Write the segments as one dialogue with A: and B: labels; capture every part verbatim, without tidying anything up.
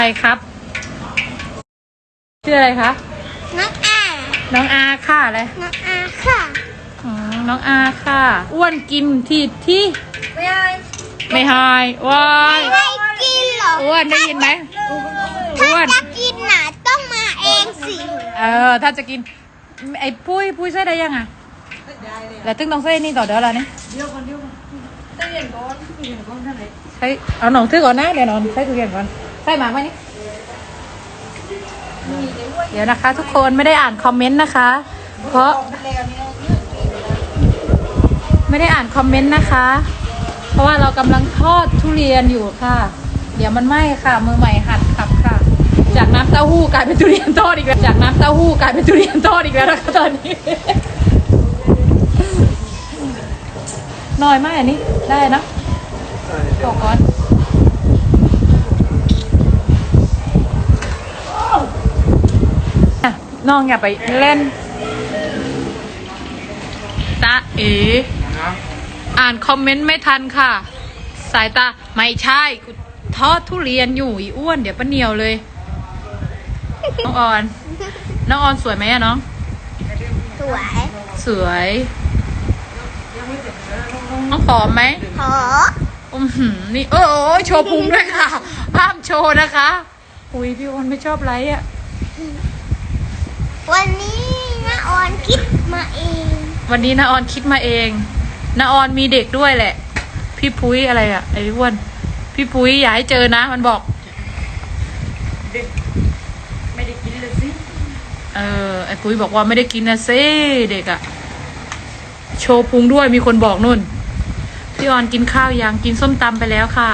A: ใครครับชื่ออะไรคะ
B: น้องอา
A: น้องอาค่ะอะไร
B: น้องอาค่ะ
A: อ๋อน้องอาค่ะอ้วนกินที่ที่
B: ไม่ให้
A: ไม่หายว้าย
B: ไม่ให้กินหรอ
A: อ้วนได้ยินไหม
B: ถ้าจะกินน่ะต้องมาเองสิ
A: เออถ้าจะกินไอ้ปุ้ยปุ้ยใส่ได้ยังอ่ะแล้วตึ้งต้องใส่นี่ต่อเดี๋ยวอะไรนี่เดี๋ยวก่อนเดี๋ยวก่อนใส่เย็นก่อนเย็นก่อนท่านไหนใส่เอาหนองซื้อก่อนนะเดี๋ยวนอนใส่ทุเรียนก่อนใส่หมากไหมนี่เดี๋ยวนะคะทุกคนไม่ได้อ่านคอมเมนต์นะคะเพราะไม่ได้อ่านคอมเมนต์นะคะเพราะว่าเรากำลังทอดทุเรียนอยู่ค่ะเดี๋ยวมันไหม้ค่ะมือใหม่หัดขับค่ะจากน้ำเต้าหู้กลายเป็นทุเรียนทอดอีกแล้วจากน้ำเต้าหู้กลายเป็นทุเรียนทอดอีกแล้วนะคะตอนนี้น้อยมากอันนี้ได้นะตกก่อนน้องอย่าไปเล่นตาเอ๋อ่านคอมเมนต์ไม่ทันค่ะสายตาไม่ใช่ทอดทุเรียนอยู่อีอ้วนเดี๋ยวป้าเหนียวเลยน้องออนน้องออนสวยไหมอะน้อง
B: สวย
A: สวยน้องผอมไหม
B: ผอ
A: มอืมนี่โอ้โชว์พุงด้วยค่ะห้ามโชว์นะคะอุ้ยพี่อ้วนไม่ชอบไลค์อะ
B: วันนี้น้าออนคิดมาเอง
A: วันนี้น้าออนคิดมาเองน้าออนมีเด็กด้วยแหละพี่พุ้ยอะไรอะไอ้อ้วนพี่พุ้ยอย่าให้เจอนะมันบอกเด็กไม่ได้กินเลยสิเออไอ้พุ้ยบอกว่าไม่ได้กินนะซิเด็กอะโชว์พุงด้วยมีคนบอกนุ่นพี่ออนกินข้าวยังกินส้มตำไปแล้วค่ะ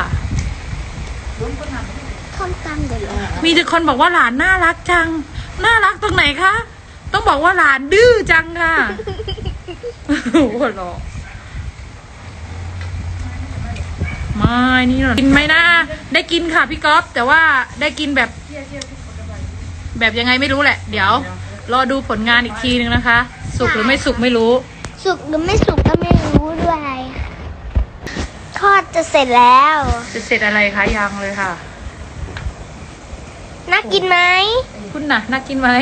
B: ส้มตำเดี๋ยว
A: มีแต่คนบอกว่าหลานน่ารักจังน่ารักตรงไหนคะต้องบอกว่าหลานดื้อจังค่ะหัวเราะไม่นี่หรอกินไหมนะได้กินค่ะพี่ก๊อฟแต่ว่าได้กินแบบแบบยังไงไม่รู้แหละเดี๋ยวรอดูผลงานอีกทีนึงนะคะสุกหรือไม่สุกไม่รู้
B: สุกหรือไม่สุกก็ไม่รู้ด้วยทอดจะเสร็จแล้ว
A: จะเสร็จอะไรคะยังเลยค่ะ
B: น่ากินไหม
A: คุณน่ะน่ากินไหม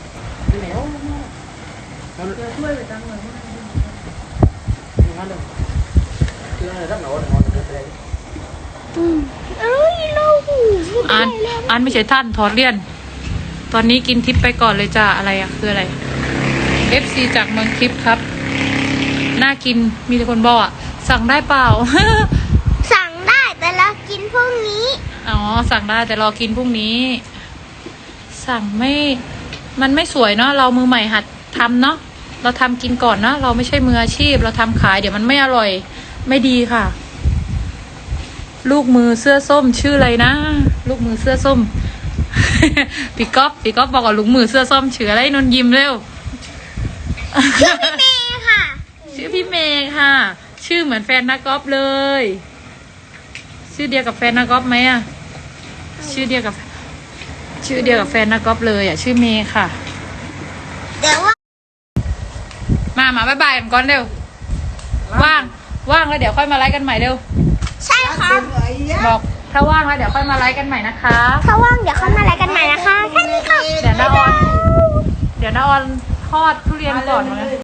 A: อันอันไม่ใช่ท่านถอดเลี่ยนตอนนี้กินทิปไปก่อนเลยจ้าอะไรอะคืออะไร เอฟ ซี จากเมืองทิปครับน่ากินมีแต่คนบอกอะสั่งได้เปล่า
B: สั่งได้แต่เรากินพรุ่งนี้
A: อ๋อสั่งได้แต่รอกินพรุ่งนี้สั่งไม่มันไม่สวยเนาะเรามือใหม่หัดทำเนาะเราทำกินก่อนเนาะเราไม่ใช่มืออาชีพเราทำขายเดี๋ยวมันไม่อร่อยไม่ดีค่ะลูกมือเสื้อส้มชื่ออะไรนะลูกมือเสื้อส้ม พี่ก๊อฟพี่ก๊อฟบอกว่าลูกมือเสื้อส้มชื่ออะไรนนยิ้มเร็ว
B: ชื่อพี่เมย์ค่ะ
A: ชื่อพี่เมย์ค่ะชื่อเหมือนแฟนนักกอล์ฟเลยชื่อเดียวกับแฟนนักกอล์ฟไหมอะชื่อเดียวกับชื่อเดียวกับแฟนนักกอล์ฟเลยอะชื่อเมย์ค่ะ
B: เดี๋ยวว่า
A: มามาบ๊ายบายกันก่อนเร็วว่างว่างแล้วเดี๋ยวค่อยมาไลฟ์กันใหม่เร็ว
B: ใช่ครับ
A: บอกถ้าว่างแล้วเดี๋ยวค่อยมาไลฟ์กันใหม่นะคะ
B: ถ้าว่างเดี๋ยวค่อยมาไลฟ์กันใหม่นะคะแค่นี้ค่ะ
A: เดี๋ยวน้าออนเดี๋ยวน้าออนทอดทุเรียนก่อนนะ